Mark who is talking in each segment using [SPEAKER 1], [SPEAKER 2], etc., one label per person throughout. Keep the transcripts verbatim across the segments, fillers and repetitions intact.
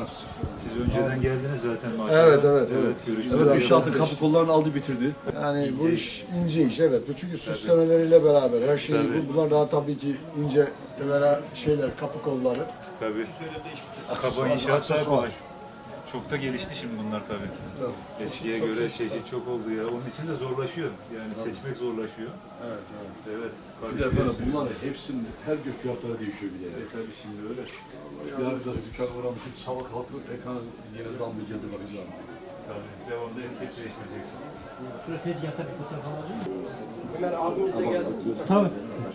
[SPEAKER 1] olmaz.
[SPEAKER 2] Siz önceden geldiniz zaten maşallah.
[SPEAKER 3] Evet, evet, evet.
[SPEAKER 2] görüşmeler
[SPEAKER 1] Evet, inşaatın
[SPEAKER 2] yapıldı.
[SPEAKER 1] kapı kollarını aldı bitirdi.
[SPEAKER 3] Yani bu iş ince iş, evet. Bu çünkü süslemeleriyle beraber her şey,
[SPEAKER 2] Tabii.
[SPEAKER 3] bu, bunlar daha tabii ki ince vera şeyler, kapı kolları.
[SPEAKER 2] Tabii. Kaba
[SPEAKER 3] Aksesuar,
[SPEAKER 2] inşaat daha
[SPEAKER 3] aksesuar.
[SPEAKER 2] kolay. Çok da gelişti şimdi bunlar tabii.
[SPEAKER 3] Tabii.
[SPEAKER 2] Eskiye
[SPEAKER 3] Çok
[SPEAKER 2] göre
[SPEAKER 3] çeşit.
[SPEAKER 2] çeşit çok oldu ya. Onun için de zorlaşıyor. Yani seçmek zorlaşıyor.
[SPEAKER 3] Evet, evet.
[SPEAKER 2] Evet.
[SPEAKER 1] Bir de efendim bunlar hepsinin her gün fiyatları değişiyor bir de.
[SPEAKER 2] E tabii şimdi öyle.
[SPEAKER 1] Ya bir de dükkan uğramıştık, sabah kalkıp ekranı yine zam mı geldi bakacağım.
[SPEAKER 2] Tabii. Devamlı etiket değiştireceksin.
[SPEAKER 4] Şurada tezgahta bir fotoğraf alabilir miyim? Ömer abimiz de gelsin. Tabii.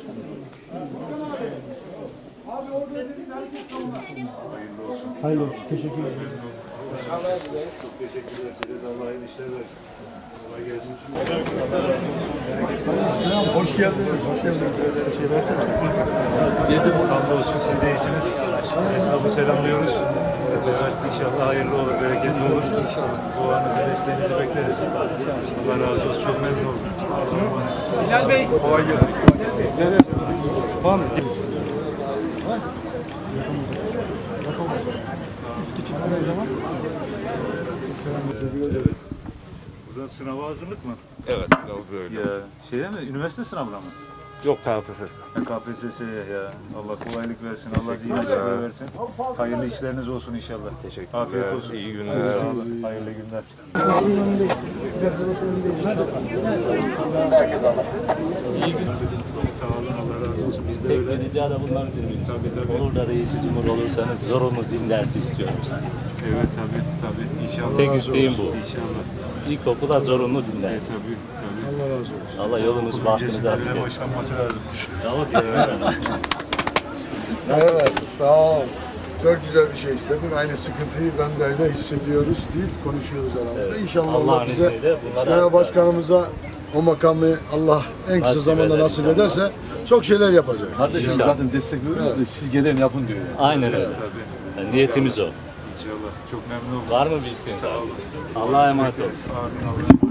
[SPEAKER 2] Hayırlı olsun.
[SPEAKER 4] Hayırlı olsun. Teşekkür ederim.
[SPEAKER 2] Çok teşekkürler size de. Allah hayırlı işler versin. Kolay gelsin.
[SPEAKER 3] Hoş geldiniz, hoş geldiniz. Şey versene.
[SPEAKER 2] Hamdolsun siz de iyisiniz. Esnafı selamlıyoruz. Evet, inşallah hayırlı olur, bereketli olur. Duanızı, desteğinizi bekleriz. Allah razı olsun. Çok memnun oldum.
[SPEAKER 4] Bilal Bey.
[SPEAKER 3] Kolay gelsin. Var mı?
[SPEAKER 2] Evet. Burada sınava hazırlık mı?
[SPEAKER 5] Evet, biraz da öyle.
[SPEAKER 2] Ya şeye mi? Üniversite sınavına mı?
[SPEAKER 5] Yok K P S S.
[SPEAKER 2] Ya K P S S'ye ya. Allah kolaylık versin. Allah zihin açıklığı versin. Hayırlı işleriniz olsun inşallah.
[SPEAKER 5] Teşekkürler.
[SPEAKER 2] Afiyet olsun.
[SPEAKER 5] İyi günler.
[SPEAKER 2] Sağ olun. Hayırlı günler. Sağ olun. Allah razı olsun. Biz de
[SPEAKER 6] Tek
[SPEAKER 2] öyle.
[SPEAKER 6] bir rica da bunlar dinliyoruz.
[SPEAKER 2] Tabii, tabii.
[SPEAKER 6] Olur da reisi cumhur olursanız zorunlu din dersi istiyoruz.
[SPEAKER 2] Evet tabii tabii. İnşallah.
[SPEAKER 6] Tek isteğim bu.
[SPEAKER 2] İnşallah.
[SPEAKER 6] İlkokula zorunlu din dersi.
[SPEAKER 2] Tabii tabii.
[SPEAKER 3] Allah razı olsun.
[SPEAKER 6] Allah yolunuz bahtınızı açık
[SPEAKER 2] Öncesinde
[SPEAKER 6] etsin.
[SPEAKER 2] başlanması lazım.
[SPEAKER 6] Yahut ya.
[SPEAKER 3] Evet, sağ ol. Çok güzel bir şey istedin. Aynı sıkıntıyı ben de öyle hissediyoruz deyip konuşuyoruz aramızda. İnşallah Allah
[SPEAKER 6] Allah'ın
[SPEAKER 3] bize,
[SPEAKER 6] izniyle bunlar
[SPEAKER 3] Genel
[SPEAKER 6] asla-
[SPEAKER 3] Başkanımıza o makamı Allah en kısa
[SPEAKER 6] Nasip
[SPEAKER 3] zamanda
[SPEAKER 6] eder
[SPEAKER 3] nasip
[SPEAKER 6] inşallah.
[SPEAKER 3] ederse çok şeyler yapacak.
[SPEAKER 1] Kardeşim
[SPEAKER 6] İnşallah.
[SPEAKER 1] zaten destek veriyoruz da siz gelin yapın diyor. Yani.
[SPEAKER 6] Aynen öyle.
[SPEAKER 2] Tabii.
[SPEAKER 6] Yani niyetimiz o.
[SPEAKER 2] İnşallah. Çok memnun oldum.
[SPEAKER 6] Var mı bir isteğiniz?
[SPEAKER 2] Sağ olun.
[SPEAKER 6] Allah'a emanet olun.
[SPEAKER 2] Amin. Allah.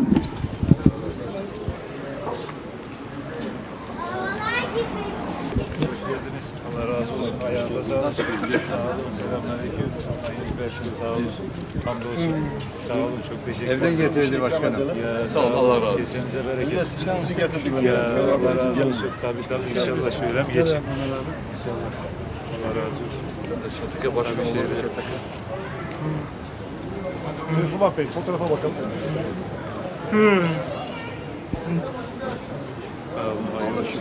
[SPEAKER 2] Hoş geldiniz. Allah razı olsun. Ayağınıza sağlık. Sağ olun. Selamünaleyküm. Allah iyilik versin. Sağ olun. Hamdolsun. Sağ olun. Çok teşekkür ederim.
[SPEAKER 3] Evden getirildi başkanım.
[SPEAKER 2] Ya,
[SPEAKER 1] Sağ olun, Allah razı olsun.
[SPEAKER 2] Kesenize bereket.
[SPEAKER 3] Sizi getirdik.
[SPEAKER 2] Ya Allah razı olsun. Tabii tabii. İnşallah şöyle mi geçin? İnşallah. Allah razı olsun.
[SPEAKER 1] Satışa başka bir şey değil.
[SPEAKER 3] Seyfullah Bey, fotoğrafa bakalım.
[SPEAKER 2] Sağ olun. Hayırlı olsun.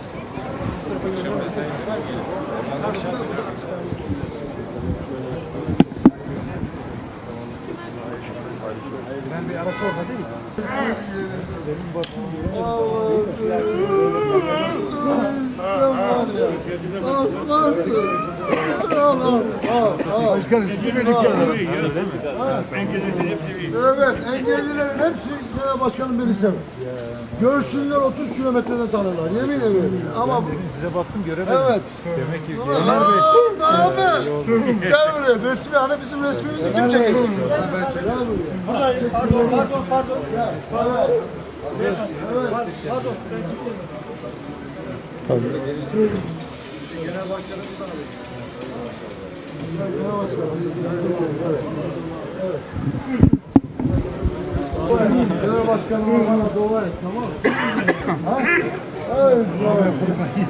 [SPEAKER 4] Ben bir araç orada değil mi?
[SPEAKER 3] Aslansın. Al al al. Başkanım sizi beni Evet, engellilerin hepsi genel başkanım beni sever. Görsünler otuz kilometreden tanırlar, yemin ederim. Ama
[SPEAKER 2] Size baktım göremedim.
[SPEAKER 3] evet.
[SPEAKER 2] Demek ki
[SPEAKER 3] Ömer Bey. Abi. Gel buraya, resmi hani bizim resmimizi kim çekecek? Gel buraya.
[SPEAKER 4] Buradayım. Pardon, pardon, pardon.
[SPEAKER 3] Gel. Evet. Evet.
[SPEAKER 4] Pardon.
[SPEAKER 3] Genel başkanım. Evet. Evet. Genel başkanım bana dua et, tamam mı? Ha? Evet, sağ ol.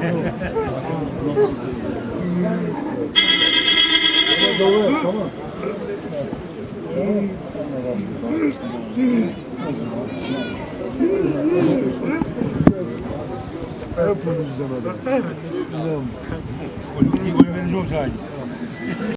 [SPEAKER 3] Bana dua et, tamam. Hep bunu izlemedim. İnan.
[SPEAKER 2] Oy vereceğim sana.